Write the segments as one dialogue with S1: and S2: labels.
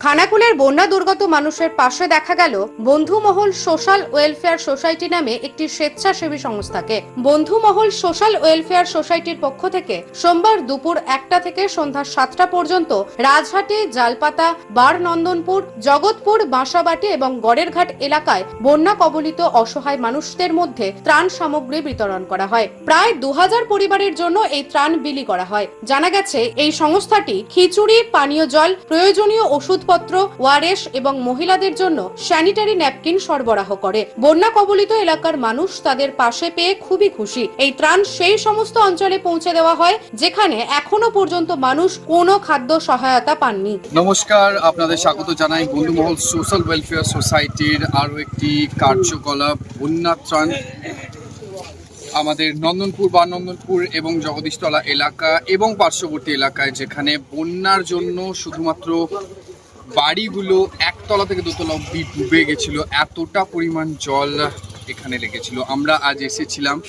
S1: খানাকুলের বন্যা দুর্গত মানুষের পাশে দেখা গেল বন্ধুমহল সোশ্যাল ওয়েলফেয়ার সোসাইটি নামে একটি স্বেচ্ছাসেবী সংস্থাকে। বন্ধুমহল সোশ্যাল ওয়েলফেয়ার সোসাইটির পক্ষ থেকে সোমবার দুপুর 1টা থেকে সন্ধ্যা 7টা পর্যন্ত রাজহাটি, জালপাতা, বারনন্দনপুর, জগৎপুর, বাঁসাবাটি এবং গড়েরঘাট এলাকায় বন্যা কবলিত অসহায় মানুষদের মধ্যে ত্রাণ সামগ্রী বিতরণ করা হয়। প্রায় 2000 পরিবারের জন্য এই ত্রাণ বিলি করা হয়। জানা গেছে, এই সংস্থাটি খিচুড়ি, পানীয় জল, প্রয়োজনীয় ওষুধপত্র, ওয়ারেস এবং মহিলাদের জন্য স্যানিটারি ন্যাপকিন সরবরাহ করে। বন্যা কবলিত এলাকার মানুষ তাদের পাশে পেয়ে খুবই খুশি। এই ত্রাণ সেই সমস্ত অঞ্চলে পৌঁছে দেওয়া হয় যেখানে এখনো পর্যন্ত মানুষ কোনো খাদ্য সহায়তা পাননি।
S2: নমস্কার, আপনাদের স্বাগত জানাই বন্ধুমহল সোশ্যাল ওয়েলফেয়ার সোসাইটির আরও একটি কার্যকলাপ বন্যা ত্রাণ। আমাদের নন্দনপুর, বারনন্দনপুর এবং জগদীশতলা এলাকা এবং পার্শ্ববর্তী এলাকায় যেখানে বন্যার জন্য শুধুমাত্র বাড়িগুলো একতলা থেকে দোতলা অব্দি ডুবে গেছিল, এতটা পরিমাণ জল এখানে লেগেছিল। আমরা আজ এসেছিলাম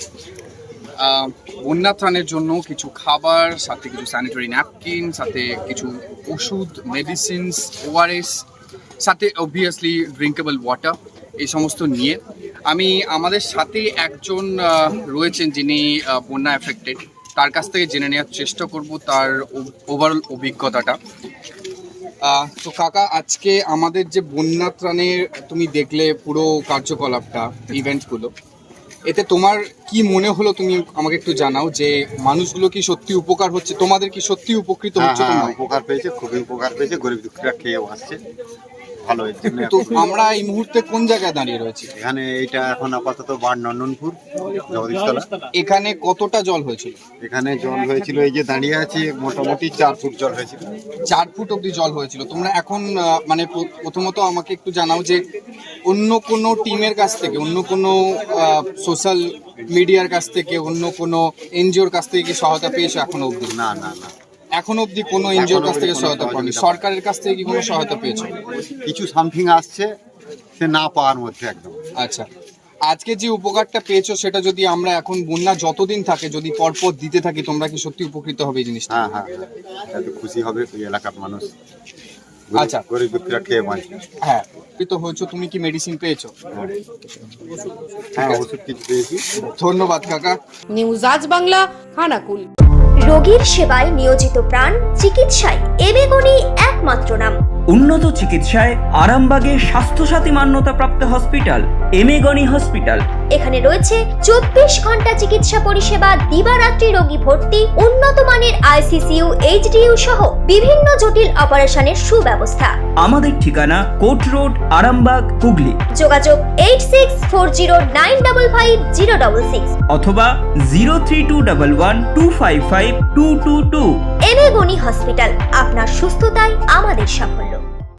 S2: বন্যা ত্রাণের জন্য কিছু খাবার, সাথে কিছু স্যানিটারি ন্যাপকিন, সাথে কিছু ওষুধ, মেডিসিনস, ওআরএস, সাথে অবভিয়াসলি ড্রিঙ্কেবল ওয়াটার, এই সমস্ত নিয়ে আমাদের সাথে একজন রয়েছেন যিনি বন্যা এফেক্টেড। তার কাছ থেকে জেনে নেওয়ার চেষ্টা করব তার ওভারঅল অভিজ্ঞতাটা। তো কাকা, আজকে আমাদের যে বন্যা ত্রাণের তুমি দেখলে পুরো কার্যকলাপটা, ইভেন্টগুলো, এতে তোমার কি মনে হলো? তুমি আমাকে একটু জানাও যে মানুষগুলো কি সত্যি উপকার হচ্ছে, তোমাদের কি সত্যি উপকৃত হচ্ছে?
S3: হ্যাঁ, উপকার পেয়েছে, খুবই উপকার পেয়েছে। গরিব দুঃখীরা খেয়ে আসছে, ভালো হয়েছে।
S2: তো আমরা এই মুহূর্তে কোন জায়গায় দাঁড়িয়ে রয়েছি?
S3: এখানে এইটা এখন আপাতত বারনন্দনপুর, জগদীশতলা।
S2: এখানে কতটা জল হয়েছিল?
S3: এখানে জল হয়েছিল, এই যে দাঁড়িয়ে আছি, মোটামুটি 4 ফুট জল হয়েছিল।
S2: 4 ফুট অব্দি জল হয়েছিল। তোমরা এখন মানে প্রথমত আমাকে একটু জানাও যে অন্য কোনো টিমের কাছ থেকে, অন্য কোনো সোশ্যাল মিডিয়ার কাছ থেকে, অন্য কোনো এনজিওর কাছ থেকে কি সহায়তা পেয়েছো এখনো অব্দি?
S3: না না না,
S2: এখন অব্দি কোনো এনজিওর কাছ থেকে সহায়তা পাওনি। সরকারের কাছ থেকে কি কোনো সহায়তা পেয়েছো?
S3: কিছু সামথিং আসছে, সে না পাওয়ার মধ্যে একদম।
S2: আচ্ছা, আজকে যে উপকারটা পেয়েছো সেটা যদি আমরা এখন বন্যা যতদিন থাকে যদি পরপর দিতে থাকি, তোমরা কি সত্যি উপকৃত হবে এই জিনিসটা?
S3: হ্যাঁ হ্যাঁ, এত খুশি হবে এই এলাকার মানুষ।
S2: আচ্ছা,
S3: গরিব দুঃখীরা খেয়ে বাঁচবে।
S2: হ্যাঁ, উপকৃত হয়েছো। তুমি কি মেডিসিন পেয়েছো?
S3: হ্যাঁ, ওষুধ কিছু পেয়েছি।
S2: ধন্যবাদ কাকা।
S1: নিউজ আজ বাংলা, খানাকুল।
S4: রোগীর সেবায় নিয়োজিত প্রাণ, চিকিৎসায় এবেগুনি একমাত্র নাম।
S5: উন্নত চিকিৎসায় আরামবাগে স্বাস্থ্যসাথী মান্যতাপ্রাপ্ত হসপিটাল এমেগনি হসপিটাল।
S4: এখানে রয়েছে 24 ঘন্টা চিকিৎসা পরিষেবা, দিবারাত্রি রোগী ভর্তি, উন্নত মানের আইসিসিইউ, এইচডিইউ সহ বিভিন্ন জটিল অপারেশনের সুব্যবস্থা।
S5: আমাদের ঠিকানা কোট রোড, আরামবাগ, হুগলি।
S4: যোগাযোগ 8640955066
S5: অথবা 03211255222।
S4: এবেগুনি হসপিটাল, আপনার সুস্থতাই আমাদের সাফল্য।